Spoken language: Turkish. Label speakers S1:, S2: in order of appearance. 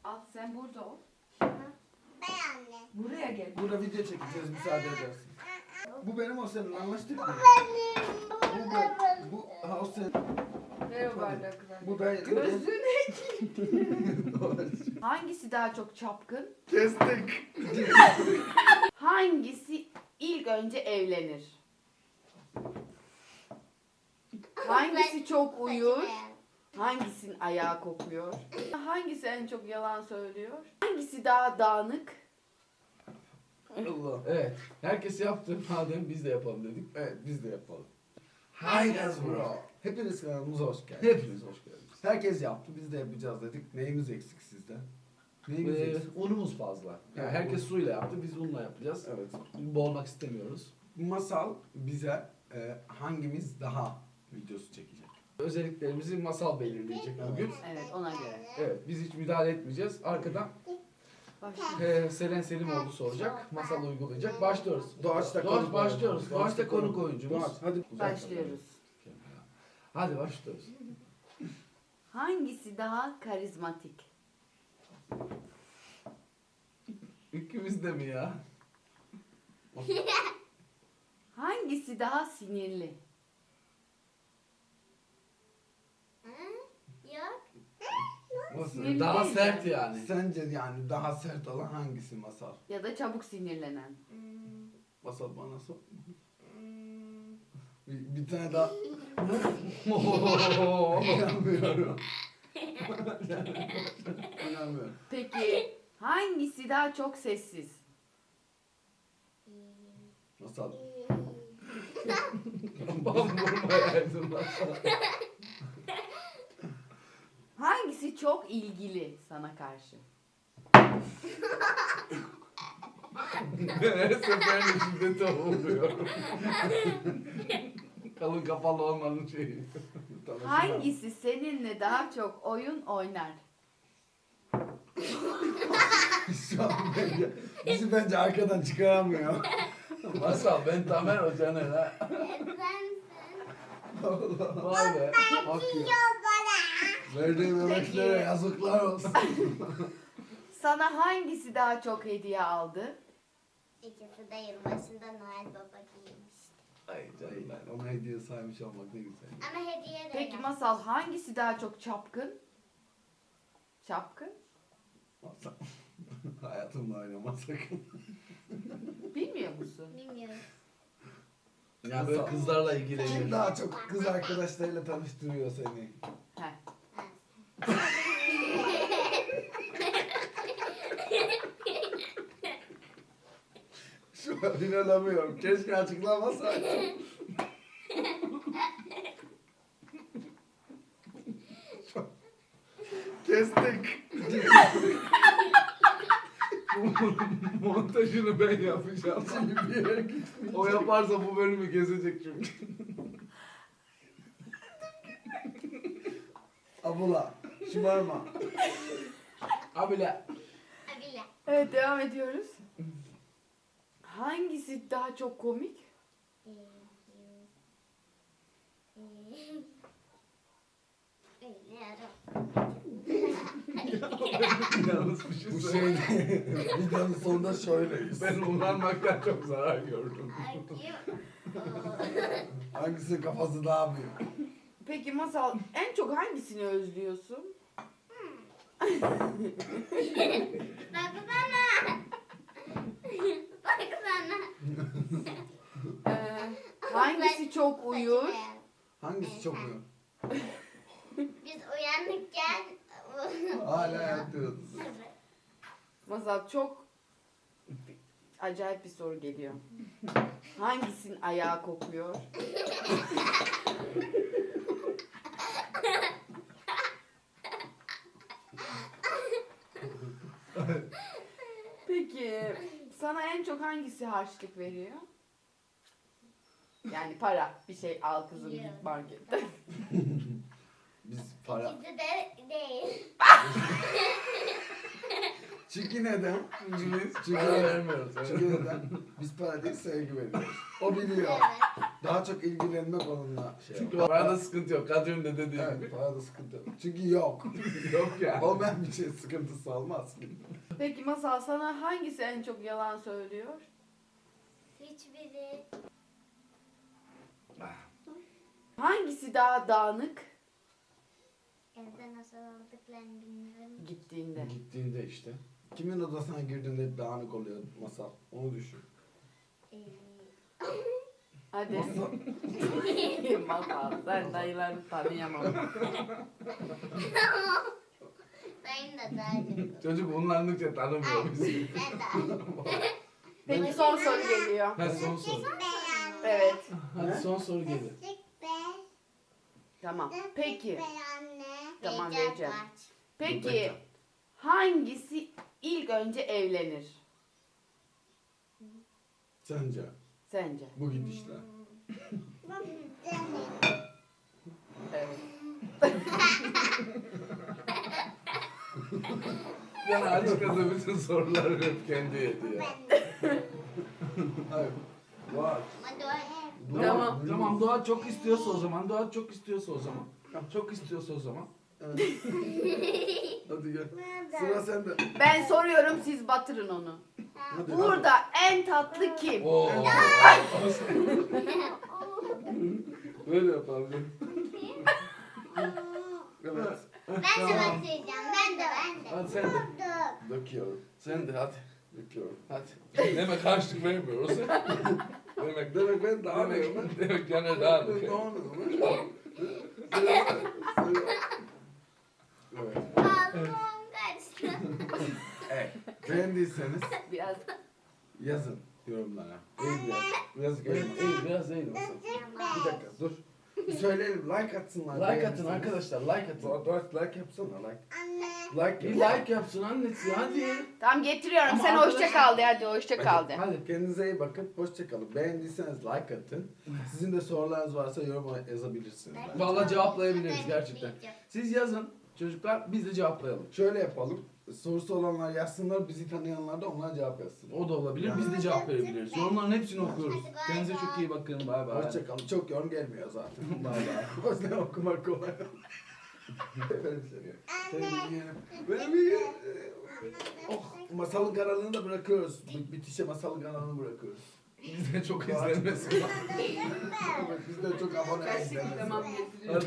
S1: Al sen burada ol.
S2: Ben anne.
S1: Buraya gel.
S3: Burada video çekeceğiz, müsaade edersin. Bu benim, o senin, anlaştık mı? Bu o senin.
S1: Ver o bardakları.
S3: Bu ben.
S1: Gözüne Hangisi daha çok çapkın?
S3: Kestik.
S1: Hangisi ilk önce evlenir? Hangisi çok uyur? Hangisinin ayağı kokuyor? Hangisi en çok yalan söylüyor? Hangisi daha dağınık?
S3: Allah.
S4: Evet. Herkes yaptı. Madem biz de yapalım dedik.
S3: Evet, biz de yapalım.
S4: Hi guys bro.
S3: Hepiniz kanalımıza hoş geldiniz.
S4: Hepiniz hoş geldiniz.
S3: Herkes yaptı, biz de yapacağız dedik. Neyimiz eksik sizden? Neyimiz eksik?
S4: Unumuz fazla. Yani
S3: Evet,
S4: herkes suyla yaptı. Biz unla yapacağız.
S3: Evet.
S4: Boğulmak istemiyoruz.
S3: Masal bize hangimiz daha videosu çekecek?
S4: Özelliklerimizi masal belirleyecek bugün.
S1: Evet, ona göre.
S4: Evet. Biz hiç müdahale etmeyeceğiz. Arkadan
S1: Başla.
S4: Selen Selimoğlu soracak. Masal uygulayacak. Başlıyoruz.
S3: Doğaçta
S4: Doğaç başlıyoruz. Doğaçta konuk oyuncumuz.
S3: Doğaç, hadi.
S1: Başlıyoruz.
S4: Hadi başlıyoruz.
S1: Hangisi daha karizmatik?
S4: İkimiz de mi ya?
S1: Hangisi daha sinirli?
S2: Yok.
S3: Nasıl?
S1: Sinirli
S4: Daha
S1: değil
S4: sert
S1: yani.
S4: yani.
S3: Sence yani daha sert olan hangisi Masal?
S1: Ya da çabuk sinirlenen?
S3: Masal bana sor. Bir tane daha. İnanmıyorum. İnanmıyorum.
S1: Peki hangisi daha çok sessiz?
S3: Masal.
S4: Bam vurmayaydın masal.
S1: Hangisi çok ilgili sana karşı?
S4: Her seferinde şiddete uğruyorum. Kalın kafalı olmanın şeyi.
S1: Hangisi seninle daha çok oyun oynar?
S3: Şu an bizi bence arkadan çıkaramıyor.
S4: Masal ben Tamer Hoca'nın ha. Vay be.
S3: Bakıyor. Verdiğim emeklere yazıklar olsun.
S1: Sana hangisi daha çok hediye aldı?
S2: İkisi de yılbaşında Noel Baba giymişti.
S4: Ay canım ben.
S3: Ona hediye saymış olmak ne güzel.
S2: Ama hediye de
S1: Peki
S2: yok.
S1: Masal hangisi daha çok çapkın? Çapkın?
S3: Masal. Hayatımla oynama sakın.
S1: Bilmiyor musun?
S2: Bilmiyorum.
S4: Ya böyle kızlarla
S3: Kim
S4: ilgileniyor.
S3: daha çok kız arkadaşlarıyla tanıştırıyor seni?
S1: Heh.
S3: Şu an inanamıyorum. Keşke açıklamasaydın. Kestik.
S4: Montajını ben yapacağım.
S3: Şimdi bir yere gitmeyeceğim.
S4: O yaparsa bu bölümü gezecek çünkü.
S3: Abula. Şımarma.
S4: Abile.
S2: Abile.
S1: Evet devam ediyoruz. Hangisi daha çok komik?
S4: Yalnız bir şey
S3: Bu
S4: söyleyeyim.
S3: şey videonun sonunda şöyleyiz.
S4: Ben ulanmaktan çok zarar gördüm.
S3: Hangisinin kafası daha büyük?
S1: Peki Masal en çok hangisini özlüyorsun?
S2: Bak bana. Bak bana.
S1: Hangisi çok uyur?
S3: Hangisi çok büyük?
S2: Biz uyanıkken
S3: Hala yatıyoruz.
S1: Masal çok acayip bir soru geliyor. Hangisinin ayağı kokuyor? Peki sana en çok hangisi harçlık veriyor? Yani para, bir şey al kızım git
S2: Biliyorum.
S1: markette.
S3: Biz para...
S2: ikisi de değil.
S3: Çünkü neden?
S4: Çünkü biz
S3: Çünkü
S4: para vermiyoruz.
S3: Çünkü neden? Biz para değil sevgi veriyoruz. O biliyor.
S2: Evet.
S3: Daha çok ilgilenmek onunla şey
S4: Çünkü
S3: yapar.
S4: parada sıkıntı yok. Kadri'nin de dediği
S3: Evet,
S4: gibi.
S3: parada sıkıntı yok. Çünkü yok.
S4: Yok ya.
S3: Olmayan bir şey sıkıntısı olmaz ki.
S1: Peki Masal, sana hangisi en çok yalan söylüyor?
S2: Hiçbiri.
S1: Hangisi daha dağınık
S2: Evde nasıl aldıklarını bilmiyorum.
S1: gittiğinde?
S4: Gittiğinde işte.
S3: Kimin odasına girdiğinde hep dağınık oluyor Masal. Onu düşün.
S2: Ee,
S1: Hadi. Masal, sen dayılarını tanıyamam.
S2: Dayım da daha çok.
S4: Çocuk unlandıkça tanımıyor bizi.
S2: Ben de.
S1: Peki son soru geliyor.
S4: Hadi son soru.
S1: Evet.
S4: Hadi son soru gelir.
S1: Tamam. Peki. Tamam,
S2: Heyecan
S1: vereceğim.
S2: var.
S1: Peki hangisi ilk önce evlenir
S3: Sence
S1: sence?
S3: bu gidişle.
S1: Evet.
S4: Yani açıkçası bütün soruları hep kendi yedi ya.
S3: Hayır. Var.
S2: Hadi o.
S1: Tamam.
S4: Tamam Doğa çok istiyorsa o zaman. Doğa çok istiyorsa o zaman. Çok istiyorsa o zaman.
S3: Evet. Hadi gel. Sıra sende.
S1: Ben soruyorum, siz batırın onu.
S3: Hadi,
S1: Burada en tatlı kim?
S4: Oo.
S3: Böyle yapalım. Evet.
S2: Ben de batıracağım. Ben de.
S4: Hadi sen de.
S3: Döküyorum.
S4: Sen de hadi.
S3: Döküyorum.
S4: Hadi. Demek karşılık vermiyoruz.
S3: Demek ben daha
S4: Demek yani daha
S3: Evet.
S2: Ağzım kaçtı.
S3: Evet. Beğendiyseniz
S1: Biraz
S3: yazın yorumlara. Eğil biraz. Biraz
S4: Eğil,
S3: eğil.
S4: eğil, biraz eğil olsun.
S3: Bir dakika dur. Bir söyleyelim, like atsınlar.
S4: Like atın
S3: beğenirseniz.
S4: arkadaşlar, like atın.
S3: Doğru, like yapsana, like.
S2: Anne.
S3: Like
S4: Bir
S3: yap.
S4: like yapsın annesi hadi.
S1: tam getiriyorum.
S4: Ama
S1: Sen hoşça
S4: arkadaşlar-
S1: kal de, hadi hoşça kal de.
S4: Hadi.
S3: Kendinize iyi bakın, hoşça kalın. Beğendiyseniz like atın. Sizin de sorularınız varsa yorum yazabilirsiniz.
S4: Vallahi cevaplayabiliriz gerçekten. Siz yazın çocuklar, biz de cevaplayalım.
S3: Şöyle yapalım. Sorusu olanlar yazsınlar, bizi tanıyanlar da onlara cevap yazsın.
S4: O da olabilir, biz de cevap verebiliriz. Yorumların hepsini okuyoruz. Kendinize çok iyi bakın, bay bay.
S3: Hoşça kalın. Çok yorum gelmiyor zaten.
S4: Bay bay.
S3: O yüzden okumak kolay. Efendim seni. Seni yiyelim. Benim yiyelim. Oh, Masalın kanalını da bırakıyoruz. Bitişe Masalın kanalını bırakıyoruz.
S4: Bizde çok izlenmesin.
S3: Biz de çok abone izlemeyiz.
S1: Tamam, getiriyorum.